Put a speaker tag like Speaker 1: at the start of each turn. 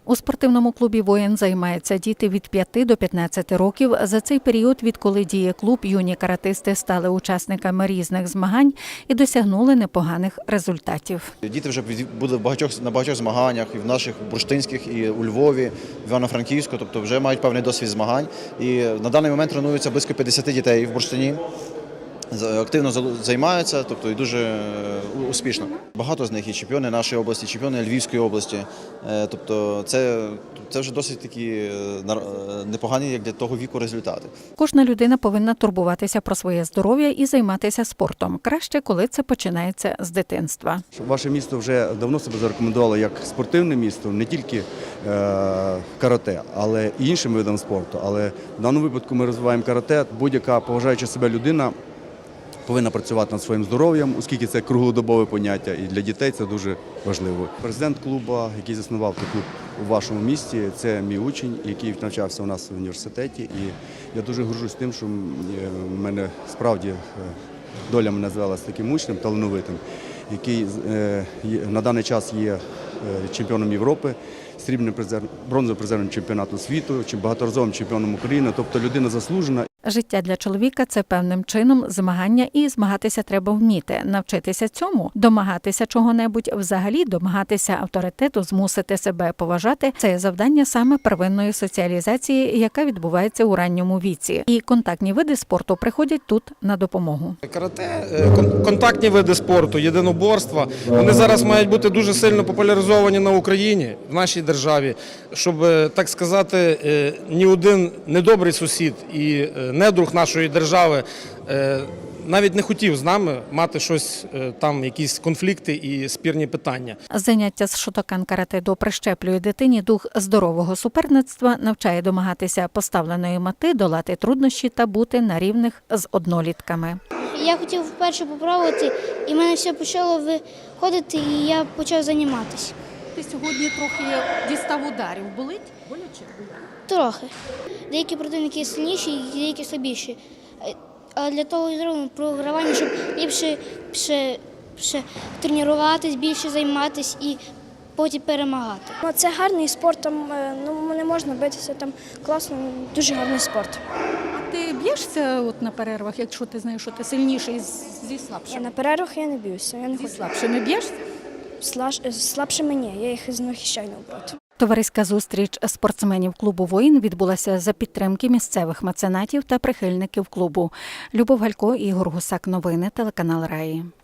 Speaker 1: У спортивному клубі «Воїн» займаються діти від 5 до 15 років. За цей період, відколи діє клуб, юні каратисти стали учасниками різних змагань і досягнули непоганих результатів.
Speaker 2: Діти вже були на багатьох змаганнях, і в наших бурштинських, і у Львові, в Івано-Франківську, тобто вже мають певний досвід змагань. І на даний момент тренуються близько 50 дітей в бурштині. Активно займаються, тобто і дуже успішно. Багато з них і чемпіони нашої області, чемпіони Львівської області. Тобто це вже досить такі непогані, як для того віку, результати.
Speaker 1: Кожна людина повинна турбуватися про своє здоров'я і займатися спортом. Краще, коли це починається з дитинства.
Speaker 3: Ваше місто вже давно себе зарекомендувало як спортивне місто, не тільки карате, але і іншим видам спорту. Але в даному випадку ми розвиваємо карате. Будь-яка поважаюча себе людина повинна працювати над своїм здоров'ям, оскільки це круглодобове поняття, і для дітей це дуже важливо. Президент клубу, який заснував цей клуб у вашому місті, це мій учень, який навчався у нас в університеті. І я дуже горжусь тим, що в мене справді доля мене звела з таким учнем талановитим, який на даний час є чемпіоном Європи, срібним призером, бронзовим призером чемпіонату світу, багаторазовим чемпіоном України, тобто людина заслужена.
Speaker 1: Життя для чоловіка – це певним чином змагання, і змагатися треба вміти. Навчитися цьому, домагатися чого-небудь, взагалі домагатися авторитету, змусити себе поважати – це завдання саме первинної соціалізації, яка відбувається у ранньому віці. І контактні види спорту приходять тут на допомогу.
Speaker 4: Карате, контактні види спорту, єдиноборства, вони зараз мають бути дуже сильно популяризовані на Україні, в нашій державі, щоб, так сказати, ні один недобрий сусід і недруг нашої держави навіть не хотів з нами мати щось там, якісь конфлікти і спірні питання.
Speaker 1: Заняття з шотокан-карате-до прищеплює дитині дух здорового суперництва, навчає домагатися поставленої мети, долати труднощі та бути на рівних з однолітками.
Speaker 5: Я хотів вперше попробувати, і в мене все почало виходити, і я почав займатися.
Speaker 6: Ти сьогодні трохи дістав ударів. Болить? Боляче?
Speaker 5: Трохи. Деякі противники сильніші, деякі слабіші. А для того і зроблено програвання, щоб ліпше тренуватись, більше займатися і потім перемагати.
Speaker 7: Це гарний спорт, там не можна битися, там класно, дуже гарний спорт.
Speaker 6: А ти б'єшся от на перервах, якщо ти знаєш, що ти сильніший зі слабшими?
Speaker 7: На перервах я не б'юся, я не
Speaker 6: Зі
Speaker 7: хочу.
Speaker 6: слабшими б'єшся?
Speaker 7: Слабшими ні, я їх захищаю навпроти.
Speaker 1: Товариська зустріч спортсменів клубу «Воїн» відбулася за підтримки місцевих меценатів та прихильників клубу. Любов Галько, Ігор Гусак. Новини, телеканал Раї.